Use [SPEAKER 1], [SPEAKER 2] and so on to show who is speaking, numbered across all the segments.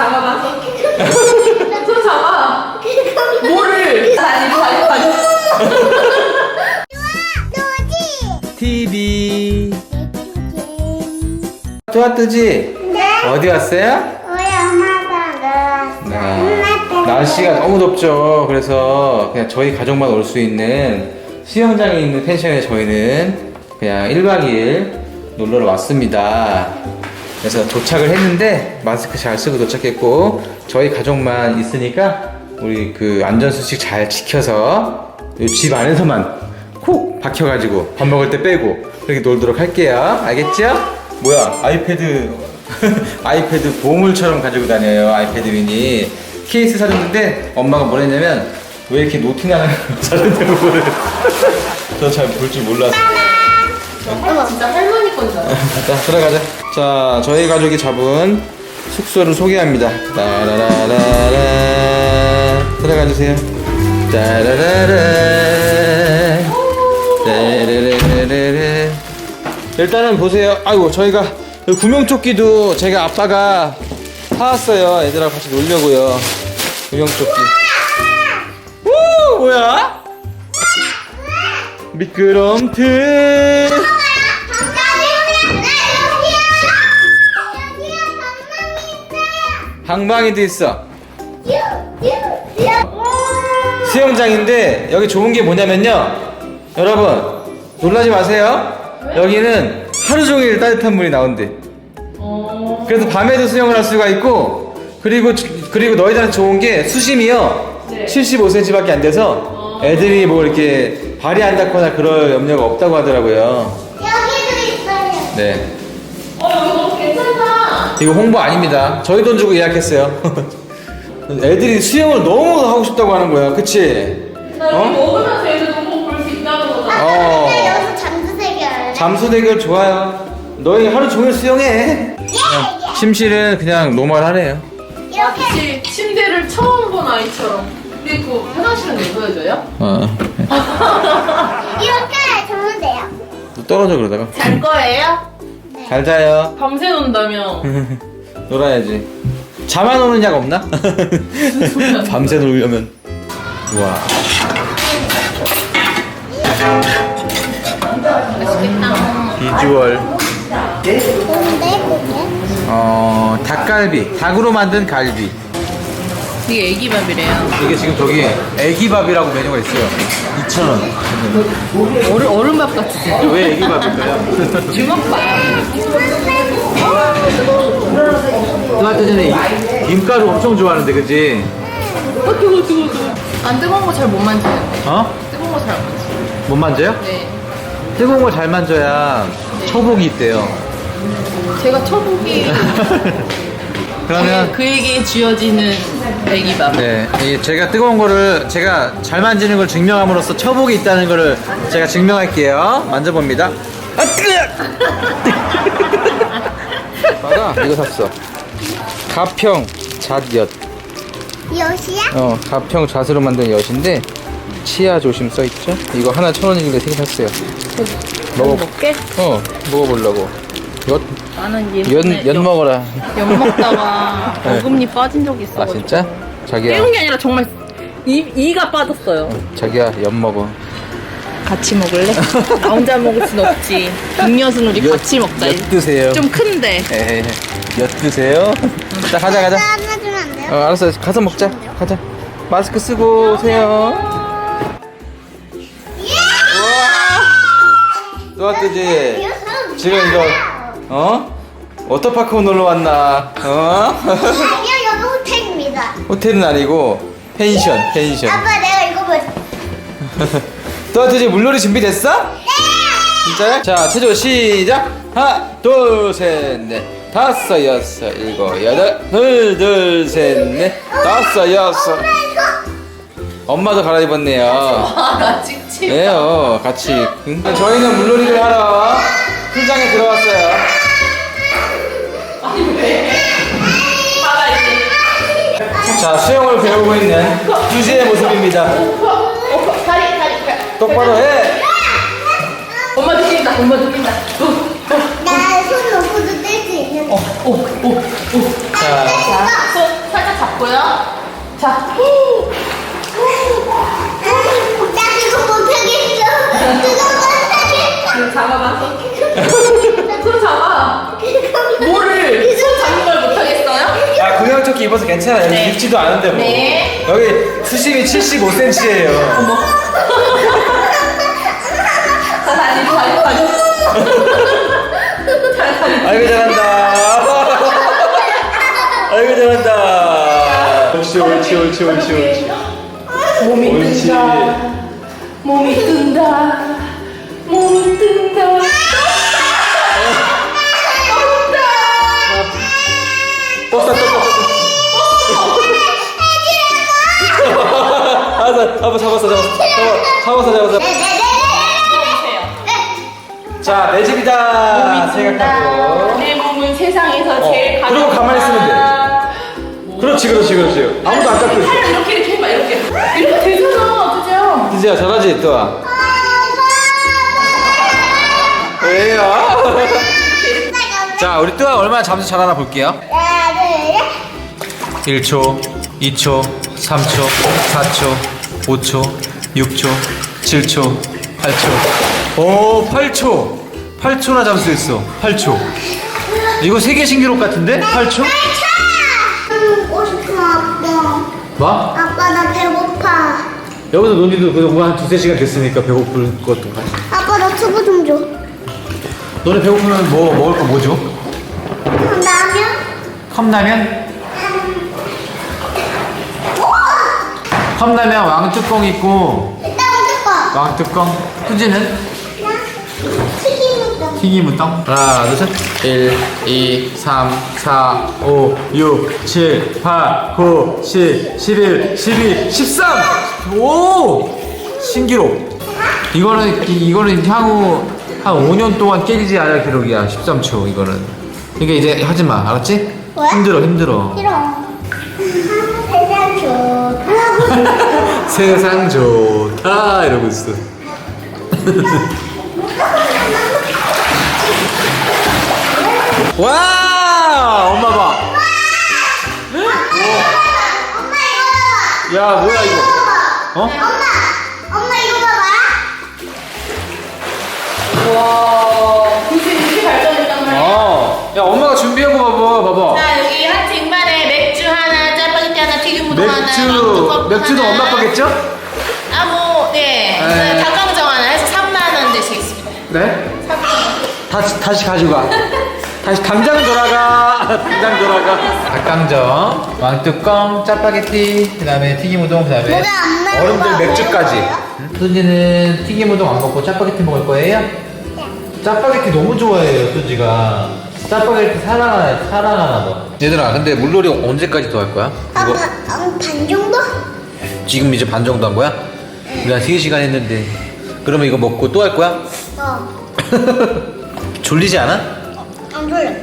[SPEAKER 1] 잡아봐. 손 잡아. 뭐를? 아니.
[SPEAKER 2] TV. 좋아 뜨지?
[SPEAKER 3] 네.
[SPEAKER 2] 어디 왔어요?
[SPEAKER 3] 우리 엄마가 놀았어.
[SPEAKER 2] 날씨가 너무 덥죠. 그래서 그냥 저희 가족만 올 수 있는 수영장에 있는 펜션에 저희는 그냥 1박 2일 놀러 왔습니다. 그래서 도착을 했는데 마스크 잘 쓰고 도착했고 저희 가족만 있으니까 우리 그 안전수칙 잘 지켜서 이 집 안에서만 콕 박혀가지고 밥 먹을 때 빼고 그렇게 놀도록 할게요. 알겠죠? 뭐야 아이패드 아이패드 보물처럼 가지고 다녀요. 아이패드 미니 케이스 사줬는데 엄마가 뭐랬냐면 왜 이렇게 노티나는 사줬냐고 그래. 저 잘 볼 줄 몰라서.
[SPEAKER 1] 이거 진짜 할머니 건 줄 알아.
[SPEAKER 2] 자 들어가자. 자 저희 가족이 잡은 숙소를 소개합니다. 따라라라라 들어가주세요. 따라라라 따라라라라. 일단은 보세요. 아이고 저희가 구명조끼도 제가 아빠가 사왔어요. 애들하고 같이 놀려고요. 구명조끼. 우 뭐야? 미끄럼틀. 방방이도 있어. 수영장인데 여기 좋은 게 뭐냐면요. 여러분 놀라지 마세요. 여기는 하루 종일 따뜻한 물이 나온대. 그래서 밤에도 수영을 할 수가 있고 그리고 너희들한테 좋은 게 수심이요.
[SPEAKER 1] 네.
[SPEAKER 2] 75cm밖에 안 돼서 애들이 뭐 이렇게 발이 안 닿거나 그럴 염려가 없다고 하더라고요.
[SPEAKER 3] 여기도 있어요.
[SPEAKER 2] 네.
[SPEAKER 1] 여기 너무 괜찮다.
[SPEAKER 2] 이거 홍보 아닙니다. 저희 돈 주고 예약했어요. 애들이 수영을 너무 하고 싶다고 하는 거야. 그치?
[SPEAKER 1] 나 여기 먹으면서 애들 너무 볼 수 있다는 거잖아.
[SPEAKER 3] 근데 여기서 잠수 대결 할래?
[SPEAKER 2] 잠수 대결 좋아요. 너희 하루 종일 수영해. 침실은 그냥 노멀하네요.
[SPEAKER 3] 이렇게
[SPEAKER 1] 마치 침대를 처음 본 아이처럼. 그리고 화장실은 왜 보여줘요?
[SPEAKER 3] 이렇게 자면 돼요.
[SPEAKER 2] 떨어져 그러다가.
[SPEAKER 1] 잘 거예요?
[SPEAKER 2] 잘 자요.
[SPEAKER 1] 밤새 논다며.
[SPEAKER 2] 놀아야지. 잠 안 오는 약 없나? 밤새 놀려면. 우와. 비주얼.
[SPEAKER 3] 뭔데 그게?
[SPEAKER 2] 닭갈비. 닭으로 만든 갈비.
[SPEAKER 1] 이게 애기밥이래요.
[SPEAKER 2] 이게 지금 저기 애기밥이라고 메뉴가 있어요. 2,000원.
[SPEAKER 1] 얼음밥 같이.
[SPEAKER 2] 왜 애기밥일까요?
[SPEAKER 1] 주먹밥.
[SPEAKER 2] 아까 전에 김가루 엄청 좋아하는데 그치?
[SPEAKER 1] 뜨거워. 안 뜨거운 거 잘 못 만지는데.
[SPEAKER 2] 어?
[SPEAKER 1] 뜨거운 거 잘 안 만지.
[SPEAKER 2] 못 만져요?
[SPEAKER 1] 네.
[SPEAKER 2] 뜨거운 거 잘 만져야 처복이 있대요.
[SPEAKER 1] 제가 초복이
[SPEAKER 2] 그러면
[SPEAKER 1] 그에게 쥐어지는 애기밥.
[SPEAKER 2] 네, 제가 뜨거운 거를 제가 잘 만지는 걸 증명함으로써 처복이 있다는 거를 제가 증명할게요. 만져봅니다. 아 뜨거! 맞아, 이거 샀어. 가평 잣엿.
[SPEAKER 3] 엿이야?
[SPEAKER 2] 가평 잣으로 만든 엿인데 치아 조심 써 있죠? 이거 하나 1,000원인데 3개 샀어요.
[SPEAKER 1] 먹게?
[SPEAKER 2] 먹어보려고.
[SPEAKER 1] 나는
[SPEAKER 2] 엿 먹어라.
[SPEAKER 1] 엿 먹다가
[SPEAKER 2] 네.
[SPEAKER 1] 어금니 빠진 적이 있어.
[SPEAKER 2] 아 진짜? 자기야.
[SPEAKER 1] 깨운 게 아니라 정말 이가 빠졌어요.
[SPEAKER 2] 자기야 엿 먹어.
[SPEAKER 1] 같이 먹을래? 나 혼자 먹을 순 없지. 음료수는 우리 같이 먹자.
[SPEAKER 2] 엿 드세요.
[SPEAKER 1] 좀 큰데.
[SPEAKER 2] 에이, 엿 드세요. 자 가자.
[SPEAKER 3] 안아주면 안 돼요?
[SPEAKER 2] 알았어. 가서 먹자. 가자. 마스크 쓰고 오세요. 또 뜨지? 지금 이거 워터파크 놀러 왔나?
[SPEAKER 3] 아니요, 여기 호텔입니다.
[SPEAKER 2] 호텔은 아니고 펜션.
[SPEAKER 3] 아빠, 내가 이거 뭐?
[SPEAKER 2] 또 뜨지? 물놀이 준비됐어?
[SPEAKER 3] 네!
[SPEAKER 2] 진짜요? 자, 체조 시작. 하나, 둘, 셋, 넷, 다섯, 여섯, 일곱, 여덟, 둘, 셋, 넷, 다섯, 여섯. 엄마도 갈아입었네요.
[SPEAKER 1] 아, 찍찍.
[SPEAKER 2] 네요, 같이. 저희는 물놀이를 하러 풀장에 들어왔어요.
[SPEAKER 1] 아니 왜? 봐라 이제.
[SPEAKER 2] 자, 수영을 배우고 있는 주지의 모습입니다.
[SPEAKER 1] 다리.
[SPEAKER 2] 똑바로 해.
[SPEAKER 1] 엄마 느낀다.
[SPEAKER 3] 나 손 놓고도 뗄 수 있는.
[SPEAKER 2] 자,
[SPEAKER 1] 손. 자.
[SPEAKER 3] 나 그거 못하겠어. 그거 못하겠어.
[SPEAKER 1] 잡아봐. 손 잡아. 뭐를? 손 잡는 걸 못하겠어요?
[SPEAKER 2] 아 구명조끼 입어서 괜찮아요. 여기
[SPEAKER 1] 네.
[SPEAKER 2] 깊지도 않은데 뭐.
[SPEAKER 1] 네.
[SPEAKER 2] 여기 수심이 75cm예요.
[SPEAKER 1] 어머. 자, 다리.
[SPEAKER 2] 아이고 잘한다. 아이고 잘한다. 옳지.
[SPEAKER 1] 몸이
[SPEAKER 2] 옳지.
[SPEAKER 1] 뜬다. 몸이 뜬다.
[SPEAKER 2] 떴어. 알았어. 잡았어.
[SPEAKER 1] 보세요.
[SPEAKER 2] 자, 내 집이다 생각하고.
[SPEAKER 1] 내 몸은 세상에서 제일 가장.
[SPEAKER 2] 그리고 가만히 있으면 돼. 그렇지. 아무도 안 깎고 있어.
[SPEAKER 1] 팔을 이렇게 해봐. 이렇게 되잖아. 그죠?
[SPEAKER 2] 드지야 잘하지 또야. 왜요? 자, 우리 또야 얼마나 잠수 잘하나 볼게요. 1초, 2초, 3초, 4초, 5초, 6초, 7초, 8초. 오, 8초. 8초나 잠수했어. 8초. 이거 세계 신기록 같은데? 8초?
[SPEAKER 3] 먹고 싶어 아빠.
[SPEAKER 2] 뭐?
[SPEAKER 3] 아빠 나 배고파.
[SPEAKER 2] 여기서 논의도 그동안 한 2-3시간 됐으니까 배고플 것도 같아.
[SPEAKER 3] 아빠 나 투부 좀 줘.
[SPEAKER 2] 너네 배고프면 뭐 먹을 거 뭐죠?
[SPEAKER 3] 라면?
[SPEAKER 2] 컵라면? 컵라면 왕뚜껑 있고
[SPEAKER 3] 일단 먹을 거.
[SPEAKER 2] 왕뚜껑 후지는
[SPEAKER 3] 튀김우동.
[SPEAKER 2] 튀김우동 하나 둘셋 1, 2, 3, 4, 5, 6, 7, 8, 9, 10, 11, 12, 13! 오! 신기록 이거는 향후 한 5년 동안 깨지지 않을 기록이야 13초 이거는 그러니까 이제 하지마 알았지?
[SPEAKER 3] 왜?
[SPEAKER 2] 힘들어
[SPEAKER 3] 싫어. 세상 좋다.
[SPEAKER 2] 세상 좋다 이러고 있어 와 엄마 봐
[SPEAKER 3] 엄마 이거 봐봐.
[SPEAKER 2] 야 뭐야 이거 어?
[SPEAKER 3] 엄마 이거 봐봐.
[SPEAKER 1] 와, 이렇게 발전했단 말이야.
[SPEAKER 2] 야 엄마가 준비한 거 봐봐
[SPEAKER 1] 자, 여기 한 쟁반에 맥주 하나, 짜파게티 하나, 튀김우동 하나, 왕뚜껑
[SPEAKER 2] 맥주도
[SPEAKER 1] 하나.
[SPEAKER 2] 엄마 거겠죠?
[SPEAKER 1] 아, 뭐, 네.
[SPEAKER 2] 네.
[SPEAKER 1] 닭강정 하나 해서 3만 원 되시겠습니다.
[SPEAKER 2] 네?
[SPEAKER 1] 3만 원.
[SPEAKER 2] 다시 가져가 다시 당장 돌아가 닭강정 왕뚜껑 짜파게티 그 다음에 튀김우동 그 다음에
[SPEAKER 3] 뭐가 안 나와?
[SPEAKER 2] 어른들 맥주까지 수지는 튀김우동 안 먹고 짜파게티 먹을 거예요? 짜파게티 너무 좋아해요 수지가 짜파게티 사랑하나 봐 얘들아 근데 물놀이 언제까지 더 할 거야?
[SPEAKER 3] 아빠 반 정도?
[SPEAKER 2] 지금 이제 반 정도 한 거야? 우리 한 3시간 했는데 그러면 이거 먹고 또 할 거야? 졸리지 않아?
[SPEAKER 3] 안 졸려.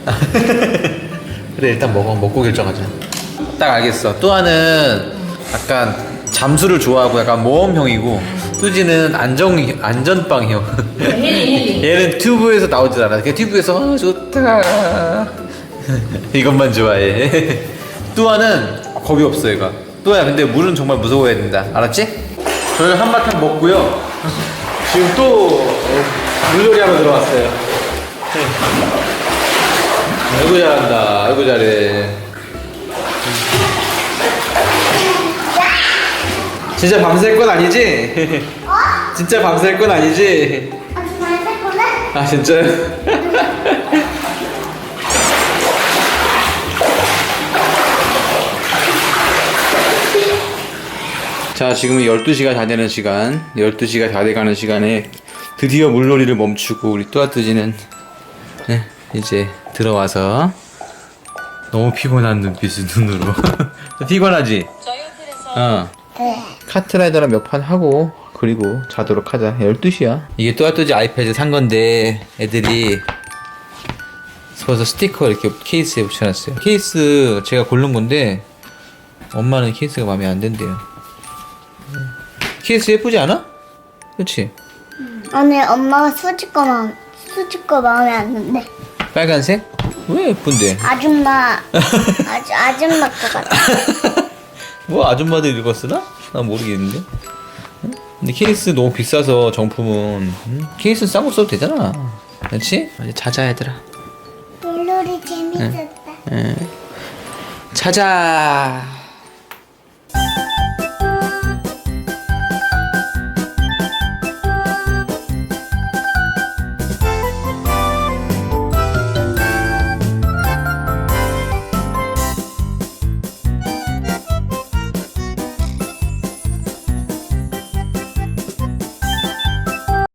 [SPEAKER 2] 그래 일단 먹고 결정하자 딱 알겠어 또아는 약간 잠수를 좋아하고 약간 모험형이고 뚜지는 안전빵형 얘는 튜브에서 나오질 않아 그냥 튜브에서 좋다 이것만 좋아해 뚜아는 겁이 없어 얘가 뚜아야 근데 물은 정말 무서워해야 된다 알았지? 저희 한바탕 먹고요 지금 또 물놀이 하러 들어왔어요 아이고 잘한다 아이고 잘해 진짜 밤샐 건 아니지? 진짜 밤샐 건 아니지?
[SPEAKER 3] 아주 잘 샀거든?
[SPEAKER 2] 아 진짜요? 자 지금은 12시가 다 되는 시간 12시가 다 돼가는 시간에 드디어 물놀이를 멈추고 우리 또아뚜지는 네, 이제 들어와서 너무 피곤한 눈으로 피곤하지? 어
[SPEAKER 3] 네.
[SPEAKER 2] 카트라이더랑 몇 판 하고 그리고 자도록 하자 12시야 이게 또아뚜지 아이패드 산 건데 애들이 그래서 스티커 이렇게 케이스에 붙여놨어요 케이스 제가 고른 건데 엄마는 케이스가 마음에 안 든대요 케이스 예쁘지 않아? 그치?
[SPEAKER 3] 오늘 엄마가 수지 거 마음에 안 든대.
[SPEAKER 2] 빨간색? 왜 예쁜데?
[SPEAKER 3] 아줌마 거 같아.
[SPEAKER 2] 뭐 아줌마들 이거 쓰나? 난 모르겠는데. 응? 근데 케이스 너무 비싸서 정품은 케이스 싼 거 써도 되잖아. 그렇지? 이제 자자 얘들아.
[SPEAKER 3] 물놀이 재밌었다.
[SPEAKER 2] 자자.